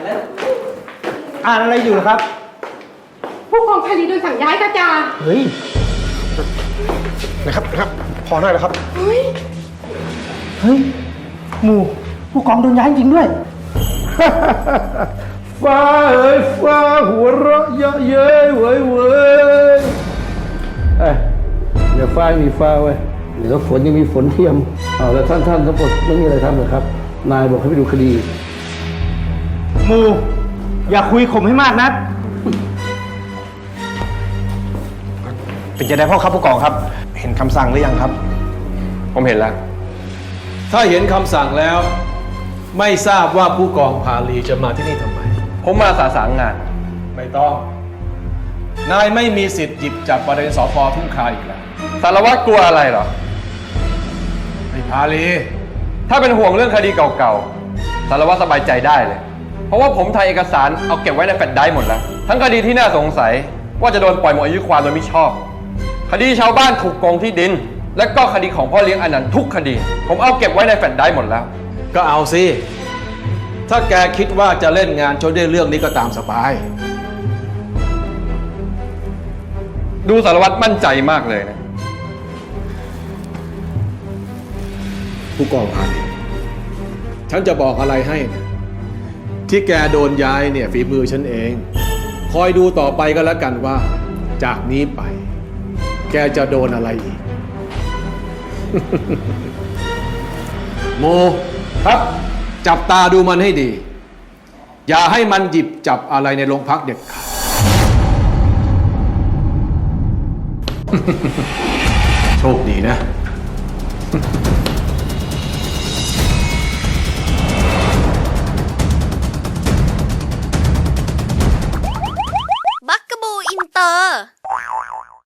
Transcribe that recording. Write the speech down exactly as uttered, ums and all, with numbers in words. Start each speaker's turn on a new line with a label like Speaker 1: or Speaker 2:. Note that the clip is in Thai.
Speaker 1: อ่านอะไรอยู่ครับ
Speaker 2: ผู้กองคดีโดนสั่งย้ายค่ะจ่า
Speaker 1: เฮ้ยนะครับนะครับพอได้แล้วครับเฮ้ยเฮ้ยหมู่ผู้กองโดนย้ายจริงด้วย
Speaker 3: ฟ้าเอ้ยฟ้าหัวเราะเยอะเย้ยเว้ยเว้ยเอ้ยเดี๋ยวฟ้ามีฟ้าเว้ยเดี๋ยวฝนยังมีฝนเทียมเอาแล้วท่านท่านทั้งหมดไม่มีอะไรทำเลยครับนายบอกให้ไปดูคดี
Speaker 1: หมู่อย่าคุยข่มให้มากนักเป็นจะได้พ่อครับผู้กองครับเห็นคำสั่งหรือยังครับ
Speaker 4: ผมเห็นแล้ว
Speaker 3: ถ้าเห็นคำสั่งแล้วไม่ทราบว่าผู้กองพาลีจะมาที่นี่ทำไม
Speaker 4: ผมมาสาสางงาน
Speaker 3: ไม่ต้องนายไม่มีสิทธิ์หยิบจับประเด็นสพทุ่งคาอีกแล้ว
Speaker 4: สารวัตรกลัวอะไรเหรอ
Speaker 3: ไอ้พาลี
Speaker 4: ถ้าเป็นห่วงเรื่องคดีเก่าๆสารวัตรสบายใจได้เลยเพราะว่าผมถ่ายเอกสารเอาเก็บไว้ในแฟลชไดรฟ์หมดแล้วทั้งคดีที่น่าสงสัยว่าจะโดนปล่อยหมดอายุความโดยมิชอบคดีชาวบ้านถูกโกงที่ดินและก็คดีของพ่อเลี้ยงอนันต์ทุกคดีผมเอาเก็บไว้ในแฟลชไดรฟ์หมดแล้ว
Speaker 3: ก็เอาสิถ้าแกคิดว่าจะเล่นงานจนได้เรื่องนี้ก็ตามสบาย
Speaker 4: ดูสารวัตรมั่นใจมากเลยนะ
Speaker 3: ผู้กองพาลีฉันจะบอกอะไรให้นะที่แกโดนย้ายเนี่ยฝีมือฉันเองคอยดูต่อไปก็แล้วกันว่าจากนี้ไปแกจะโดนอะไรอีก โมครับจับตาดูมันให้ดีอย่าให้มันหยิบจับอะไรในโรงพักเด็ดขาด โชคดีนะ
Speaker 5: บักกะบูอินเตอร์